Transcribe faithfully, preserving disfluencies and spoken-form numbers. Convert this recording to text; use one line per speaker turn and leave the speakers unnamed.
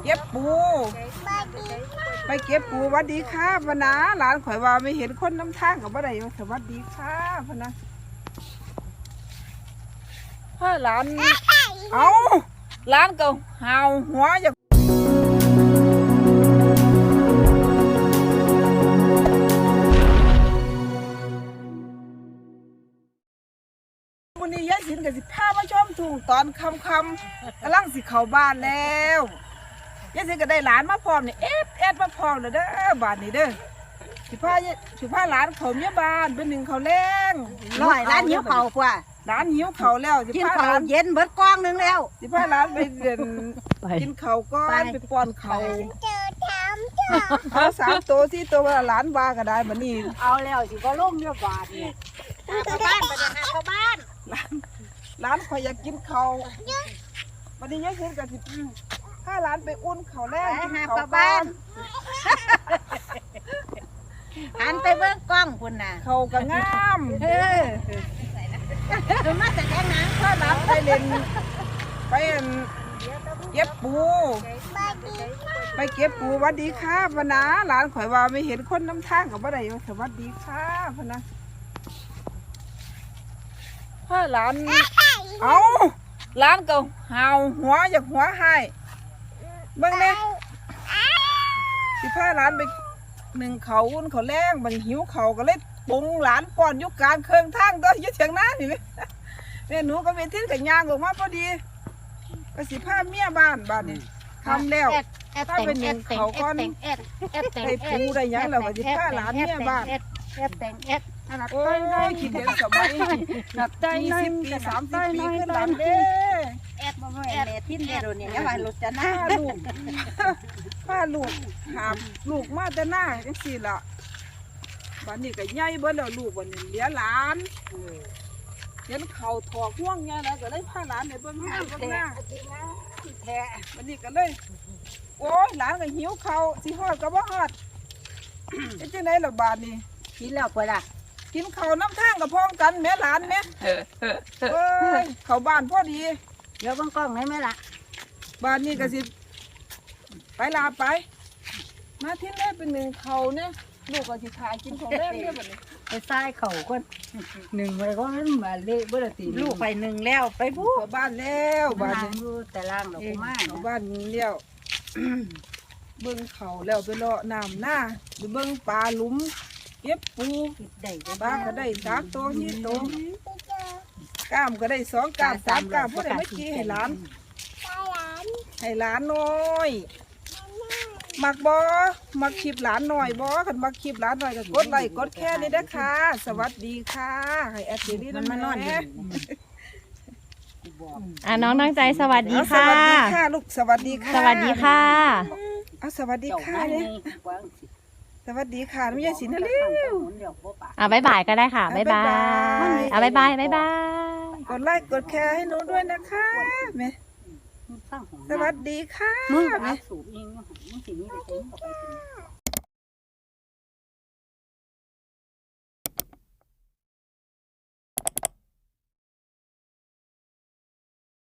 เก็บปูไปเก็บปูสวัสดีค่ะพะนะหลานข่อยว่าไม่เห็นคนน้ำทางกับบ่ได้สวัสดีค่ะพะนะพ่อหลานเอาหลานก็หาวหัวอยากวันนี้ยายสินกับสิพามาชมทุ่งตอนคำคำกำลังสิเข้าบ้านแล้วยายสินก็ได้หลานมาพร้อมนี่เอ็ดเอ็ดมาพร้อมเลยเด้อบ้านนี้เด้อสิพาสิพาหลานเขาเมียบ้านเป็นหนึ่งเขาแรง
น้อยร้านหิวเข่ากว่า
หลานหิวเขาแล้วสิ
กิน
พาห
ข้า
ลา
วน เย็นเบิดกองนึงแล้ว
สิพาหลานไปเดินกินเขาก้อนไปป้อนเขาเอาสามตัวสี่ตัวหลานว่าก็ได้บัดนี้
เอาแล้วสิก็ล่มเรียบบาทเนี่ยเข้าบ้านไปเลยนะเข้าบ้าน
หลานหลานข่อยอยากกินเขาบัดนี้ยายสินก็สิพาหลานไปอุ่นเขาแรงกินเขาบ้าน
หันไปเบิ่งกล้องคุณน่ะ
เขาก็งาม
เออมาแต่แดงหนัง
พาหลานไปเล่นไปเก็บปูไปเก็บปูสวัสดีค่ะพะนะหลานข่อยว่าไม่เห็นคนน้ำทางกับบ่ได้สวัสดีค่ะพะนะพ่อหลานเอาหลานก็หาวหัวอยากหัวให้เบิ่งเลยสิพาหลานไปหนึ่งเขาอุ่นเขาแรงมันหิวเขาก็เลยปรุงหลานป้อนยุกการเครื่องทางตัวยึดเชียงน้านี่แม่หนูก็ไปทิ้งกับยางออกมาพอดีก็สิพาเมียบ้านบ้านนี่ทำแล้วถ้าเป็นหนึ่งเขาก้อนได้ปูได้ยังแล้วก็สิพาหลานเมียบ้านโอ้ยคิดเห็นสมัยยี่สิบปีสามสิบปีขึ้นหลังเด้
แอดบ่แม่แม่ทิ้นเด้อเนี่ยอย่าว่าลุจะหน้า
ลูกป้าลูกหามลูกมาแต่หน้าจังสี่ละบ้านนี้ก็ใหญ่เบิ้ลแล้วลูกบ้านนี้เลี้ยหลานเห็นเขาถอกห่วงไงแล้วก็เลยพาหลานไปเบิ้งหน้าเบิ้งหน้าแท้บ้านนี้ก็เลยโอ้ยหลานก็หิวเขาสิฮอดก็บ่ฮอดเป็นจังได๋ล่ะบ้านนี้
กินแล้วปะล่ะ
กินเขาน้ำทางกับพ้องกันแม่หลานแม่เอ้ยเขาบ้านพอดี
เดี๋ยวเบิ่งกล้องได้ไหมล่ะ
บ้านนี้ก็สิไปลาไปมาที่แรกเป็นหนึ่งเขาเนี่ยลูกก็สิถ่ายกินของแรกเนี่ยแบบนี้
ไปซ้ายเข่าก็หนึ่งไปก็มันมาเละเบื่อตีลูกไปหนึ่งแล้วไปพู
เขาบ้านแล้วบ้านนี้
แต่ล่างดอกไม้
เขาบ้านนี้แล้วเบิ้งเขาแล้วไปเลาะน้ำหน้าไปเบิ้งปลาหลุมเก็บปู
ได้
ปลาก็ได้สามตัวสี่ตัวกล้ามก็ได้สองกล้ามสามกล้ามพวกไหนไม่กี้ให้หลานให้หลานน้อยมักบอมักคลิปหลานหน่อยบอกันมักคลิปหลานหน่อยก็กดไลค์กดแค่นี้นะค่ะสวัสดีค่ะให้แอดซีรีส์มันมานอนอยู่
อ่ะน้องตั้งใจสวัสดีค่ะ
สวัสดีค่ะลูกสวัสดีค่ะ
สวัสดีค่ะ
เอาสวัสดีค่ะเนี่ยสวัสดีค่ะน้องยายสินนะเร็ว
อ่ะบ๊ายบายก็ได้ค่ะบ๊ายบายอ่ะบ๊ายบายบ๊ายบาย
กดไลค์กดแชร์ให้หนูด้วยนะคะแม่สวัสดีค่ะ
มึง
แม่